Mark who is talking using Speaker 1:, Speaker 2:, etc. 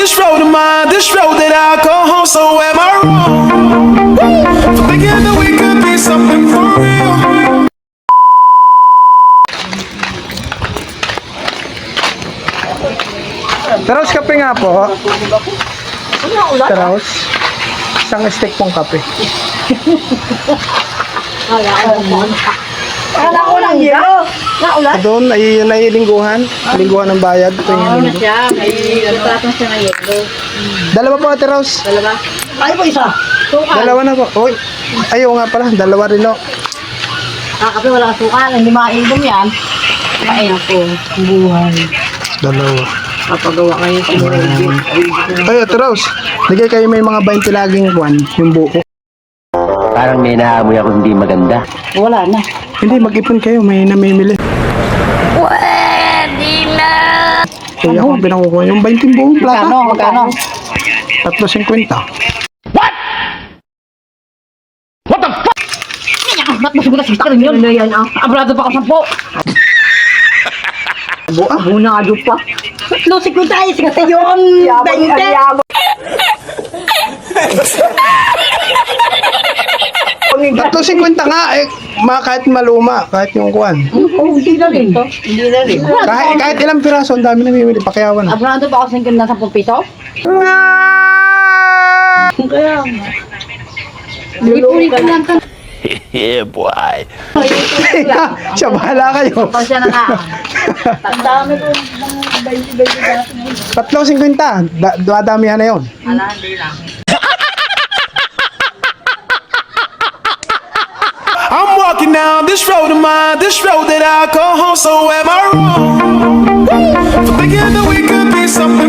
Speaker 1: this road of mine, this road that I call home. So am I wrong for thinking that we could be something for real?
Speaker 2: Taraos kape nga po. Taraos. Isang stick pong kape.
Speaker 3: Kala ko lang yelo. Naulan?
Speaker 2: Doon ay nailingguhan. Lingguhan ng bayad. Ito yung
Speaker 3: Oo na
Speaker 2: linggo.
Speaker 3: siya. May patong siya na yelo.
Speaker 2: Dalawa po, Ate Rose.
Speaker 3: Dalawa? Ay po isa. Sukal.
Speaker 2: Dalawa na po. Uy. Ayaw nga pala. Dalawa rin o.
Speaker 3: Kape wala kang sukal. Hindi mainom yan. Ay ako. Buhay.
Speaker 2: Dalawa.
Speaker 3: Papagawa kayo sa
Speaker 2: Ay, Ate Rose. Ligay kayo may mga 20 laging kwan. Yung buko.
Speaker 4: Parang may naamoy ako hindi maganda.
Speaker 3: Wala na.
Speaker 2: Hindi, mag-ipon kayo. May namimili.
Speaker 3: Pwede na.
Speaker 2: Kaya ako, pinakukuha yung 20 buong plata.
Speaker 3: Magkano?
Speaker 2: 3.50.
Speaker 3: Ba't mas gulas kita rin yun? Ano yan ah? Abrado pa ka 10.
Speaker 2: Buka.
Speaker 3: Muna ka pa. Lusik ko tayo. Sige yun. 20.
Speaker 2: 3.50 nga eh. Kahit maluma. Kahit yung kwan.
Speaker 3: Oh, hindi na rin to. Hindi na rin.
Speaker 2: Kahit ilang piraso, ang dami namimili. Pakiyawan na.
Speaker 3: Abrado pa ako sa 10 piso? Kaya nga. Lulukan ka lang.
Speaker 4: Yeah, boy.
Speaker 2: Siya, bahala kayo.
Speaker 3: Pasya na nga. Ang dami ko ng
Speaker 2: 3.50. Dadamihan na yun.
Speaker 3: Ala, hindi lang.
Speaker 1: I'm walking down this road of mine, this road that I call home. So am I wrong for thinking that we could be something